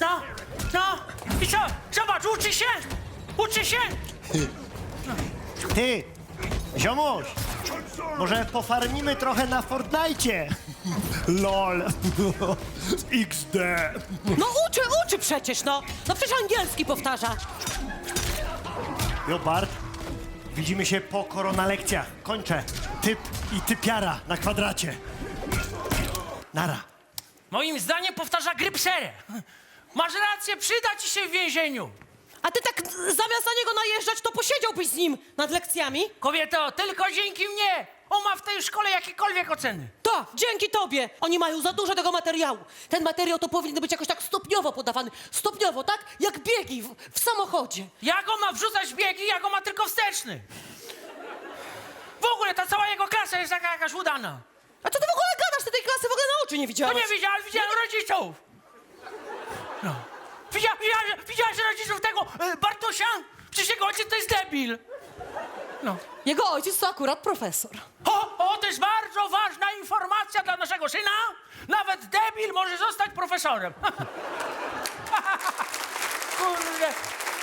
No, no. I co? Zobacz, uczy się! Uczy się! Ty, ziomuś, może pofarmimy trochę na Fortnite? LOL. XD. No uczy przecież, no. No przecież angielski powtarza. Jo, Bart, widzimy się po koronalekcjach. Kończę. Typ i typiara na kwadracie. Nara. Moim zdaniem powtarza grypserę. Masz rację, przyda ci się w więzieniu. A ty tak zamiast na niego najeżdżać, to posiedziałbyś z nim nad lekcjami? Kobieto, tylko dzięki mnie. On ma w tej szkole jakiekolwiek oceny. Tak, dzięki tobie. Oni mają za dużo tego materiału. Ten materiał to powinien być jakoś tak stopniowo podawany. Stopniowo, tak? Jak biegi w samochodzie. Jak on ma wrzucać w biegi, jak on ma tylko wsteczny. W ogóle ta cała jego klasa jest taka jakaś udana. A co ty w ogóle gadasz? Ty tej klasy w ogóle na oczy nie To widziałeś. nie widziałem, widziałem rodziców. No. Widziałeś rodziców tego Bartosia? Przecież jego ojciec to jest debil. No. Jego ojciec to akurat profesor. O, to jest bardzo ważna informacja dla naszego syna. Nawet debil może zostać profesorem. Kurde.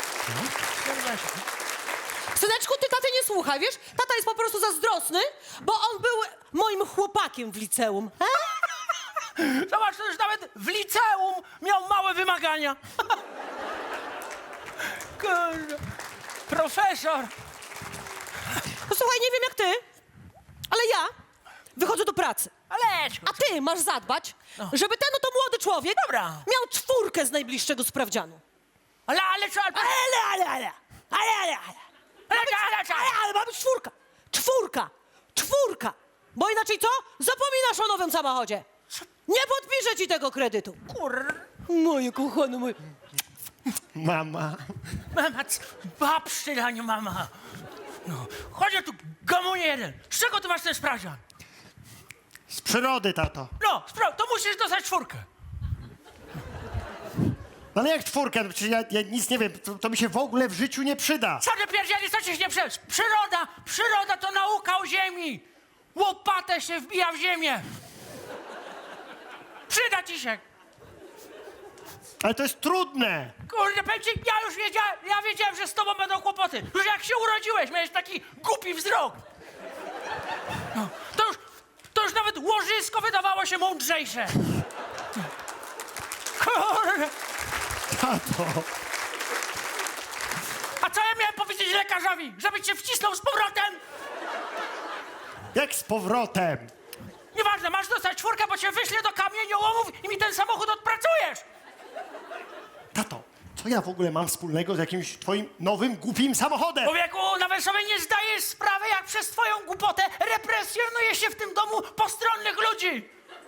Syneczku, ty taty nie słuchaj, wiesz? Tata jest po prostu zazdrosny, bo on był moim chłopakiem w liceum. Zobacz, to już nawet w liceum miał małe wymagania. Kurde. Profesor. No słuchaj, nie wiem jak ty, ale ja wychodzę do pracy. Ale A ty masz zadbać, żeby ten oto młody człowiek Dobra. miał 4 z najbliższego sprawdzianu. Ale co? Ale ma być 4. 4. Bo inaczej co? Zapominasz o nowym samochodzie. Nie podpiszę ci tego kredytu. Kur... Moje kochane, moje... Mama. Mama, babszty dla nie mama. No, chodź tu, gamonie jeden. Z czego ty masz ten sprawdzian? Z przyrody, tato. No, to musisz dostać 4. Ale jak 4? Przecież ja nic nie wiem. To mi się w ogóle w życiu nie przyda. Co ty pierdzieli, co ci się nie przecież? Przyroda to nauka o ziemi. Łopatę się wbija w ziemię. Przyda ci się. Ale to jest trudne. Kurde, powiem ci, ja wiedziałem, że z tobą będą kłopoty. Już jak się urodziłeś, miałeś taki głupi wzrok. No, to już nawet łożysko wydawało się mądrzejsze. Kurde. Tato. A co ja miałem powiedzieć lekarzowi? Żeby cię wcisnął z powrotem? Jak z powrotem? Nieważne, masz dostać 4, bo cię wyślę do kamieniołomów i mi ten samochód odpracujesz. Tato, co ja w ogóle mam wspólnego z jakimś twoim nowym, głupim samochodem? Człowieku, nawet sobie nie zdajesz sprawy, jak przez twoją głupotę represjonuje się w tym domu postronnych ludzi.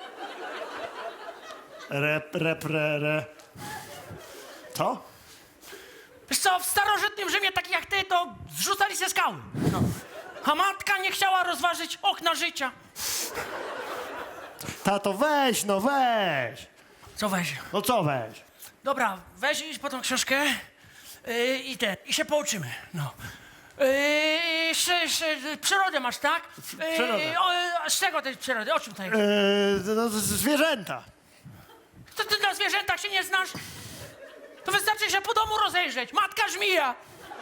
Co? Wiesz co, w starożytnym Rzymie takich jak ty to zrzucali ze skały. No. A matka nie chciała rozważyć okna życia. Tato, weź, no weź. Co weź? No co weź? Dobra, weź idź po tą książkę i się pouczymy. No. Przyrodę masz, tak? Przyrodę. Z czego tej przyrody? O czym tutaj? No, zwierzęta. To ty na zwierzętach się nie znasz? To wystarczy się po domu rozejrzeć. Matka żmija.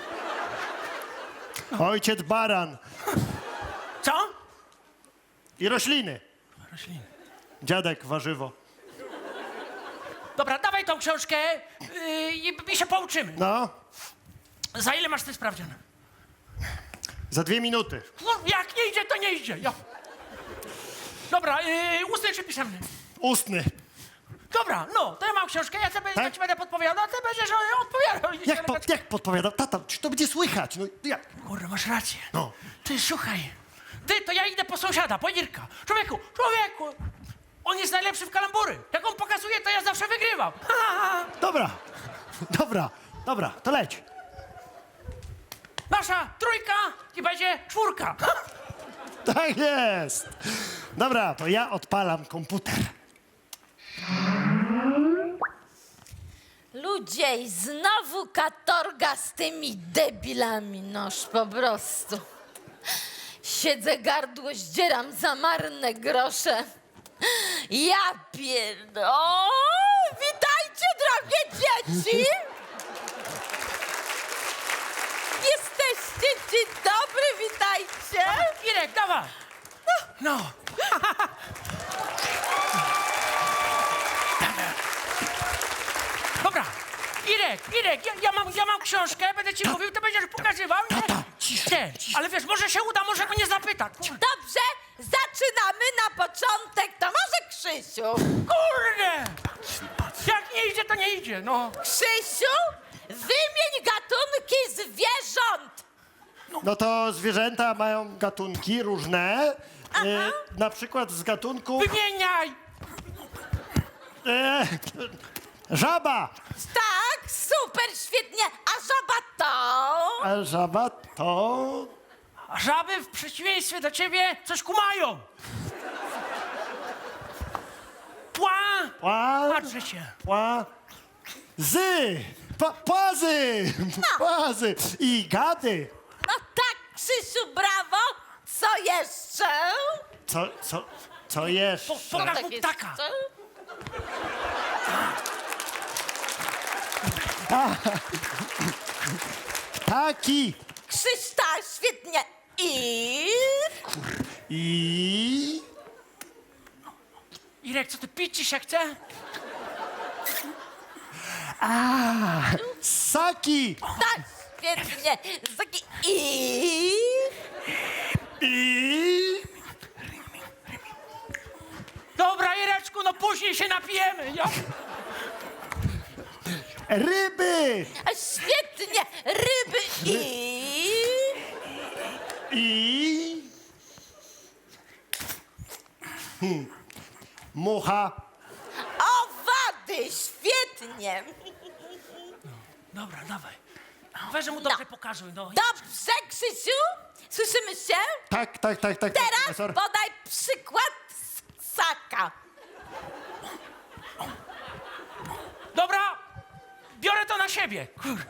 Ojciec baran. Co? I rośliny. Rośliny. Dziadek warzywo. Dobra, dawaj tą książkę i się pouczymy. No, Za ile masz ten sprawdzian? za 2 minuty. No, jak nie idzie, to nie idzie. Ja. Dobra, ustny czy pisemny? Ustny. Dobra, no, to ja mam książkę, ja Tak? ci będę podpowiadał, a ty będziesz odpowiadał. Jak podpowiadał? Tata, czy to będzie słychać? No jak? Kurde, masz rację. No. Ty, słuchaj. Ty, to ja idę po sąsiada, po Irka. Człowieku! On jest najlepszy w kalambury. Jak on pokazuje, to ja zawsze wygrywam. Dobra, to leć. Nasza 3 i będzie 4. Tak jest. Dobra, to ja odpalam komputer. Ludzie, i znowu katorga z tymi debilami, noż po prostu. Siedzę, gardło zdzieram za marne grosze. Ja pierdolę. O, witajcie, drogie dzieci! Jesteście, dzień dobry, witajcie! Irek, dawaj! No. Dobra. Irek, ja mam książkę, będę ci mówił, ty będziesz pokazywał, nie? Tata, ciszej, Nie, ale wiesz, może się uda, może mnie zapyta. Dobrze, zaczynamy na początek. To może Krzysiu? Kurde! Jak nie idzie, to nie idzie, no. Krzysiu, wymień gatunki zwierząt. No to zwierzęta mają gatunki różne. Na przykład z gatunku Wymieniaj! żaba. Tak, super, świetnie. A żaba to? A żaba to... A żaby w przeciwieństwie do ciebie coś kumają. Pła! Patrzę się. Płazy. Płazy. I gady. No tak, Krzysiu, brawo. Co jeszcze? Co jeszcze? Pokaż Tak mu jest. ptaka. Co? Ptaki. Krzyś, tak, świetnie. I... Irek, co ty pić ci się chce? Ssaki. Tak, świetnie. Taki I... Dobra, Ireczku, no później się napijemy. Ja... Ryby. A świetnie. Ryby I... Mucha. owady. Świetnie. Dobra, dawaj. Weź, że mu dobrze pokażuj, no. Dobrze, Krzysiu? Słyszymy się? Tak. Teraz Profesor. podaj przykład ssaka. Dobra, biorę to na siebie. Kur...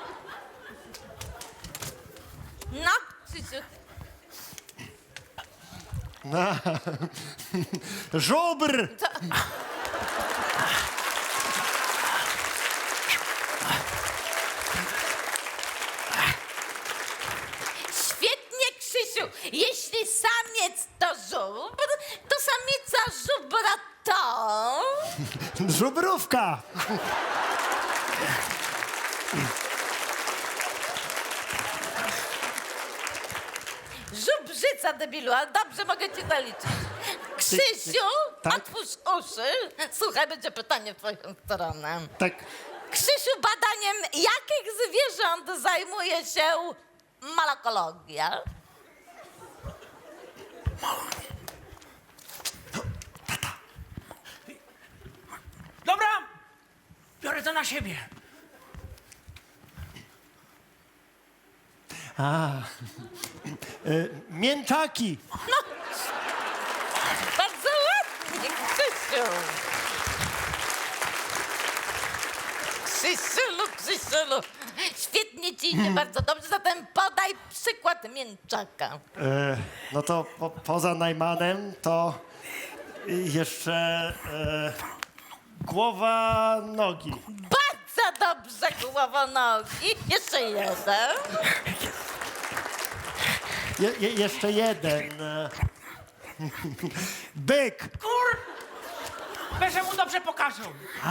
No, Krzysiu. Żubr. Świetnie, Krzysiu. Jeśli samiec to żubr, to samica żubra to... Żubrówka. Żubrzyca, debilu, ale dobrze mogę ci zaliczyć. Krzysiu, Tak? otwórz uszy. Słuchaj, będzie pytanie w twoją stronę. Tak. Krzysiu, badaniem jakich zwierząt zajmuje się malakologia? Dobra, biorę to na siebie. Mięczaki. Bardzo ładnie, Krzysiu. Krzysiulu. Świetnie ci idzie, bardzo dobrze. Zatem podaj przykład mięczaka. No to poza Najmanem to jeszcze głowa nogi. Bardzo dobrze, głowonogi. Jeszcze jeden. Jeszcze jeden. Byk. Kur... Weź, że mu dobrze pokażą.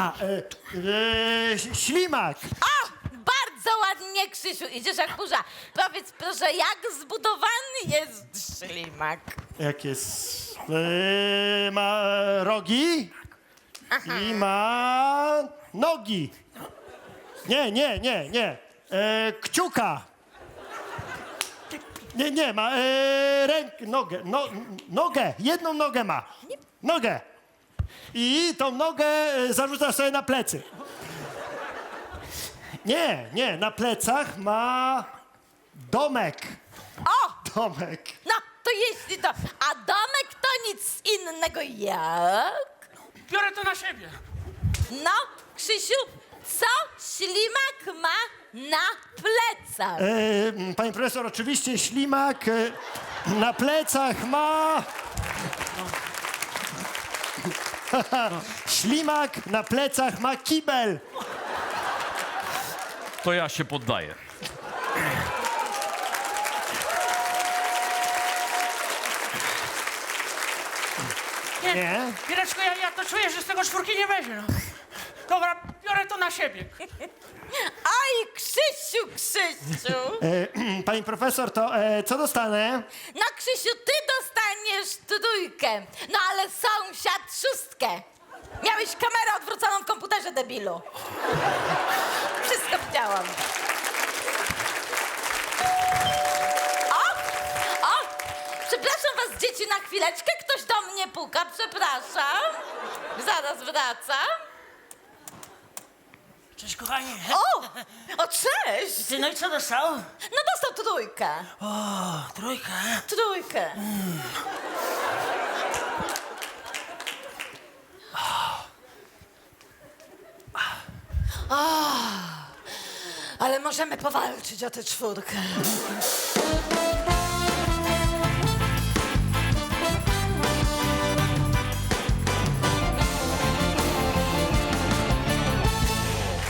Ślimak. O, bardzo ładnie, Krzysiu. Idziesz jak burza. Powiedz proszę, jak zbudowany jest ślimak? Jak jest? Ma rogi i ma nogi. Nie. Kciuka. Nie, ma nogę. Jedną nogę ma. Nogę. I tą nogę zarzuca sobie na plecy. Nie, na plecach ma domek. O, Domek. no to jeśli to... A domek to nic innego jak... Biorę to na siebie. No, Krzysiu, co ślimak ma na plecach? Panie profesor, oczywiście ślimak na plecach ma... Ślimak na plecach ma kibel. To ja się poddaję. Nie? Mireczko, ja to czuję, że z tego 4 nie będzie, no. Dobra, biorę to na siebie. Aj, Krzysiu, Krzysiu! Pani profesor, to co dostanę? No, Krzysiu, ty dostaniesz 3, no ale sąsiad 6. Miałeś kamerę odwróconą w komputerze, debilu. Wszystko widziałam. O! Przepraszam was, dzieci, na chwileczkę. Ktoś do mnie puka, przepraszam. Zaraz wracam. Cześć, kochanie. O, cześć! Ty, no i co dostał? No dostał 3. O, 3. 3. Ale możemy powalczyć o tę 4.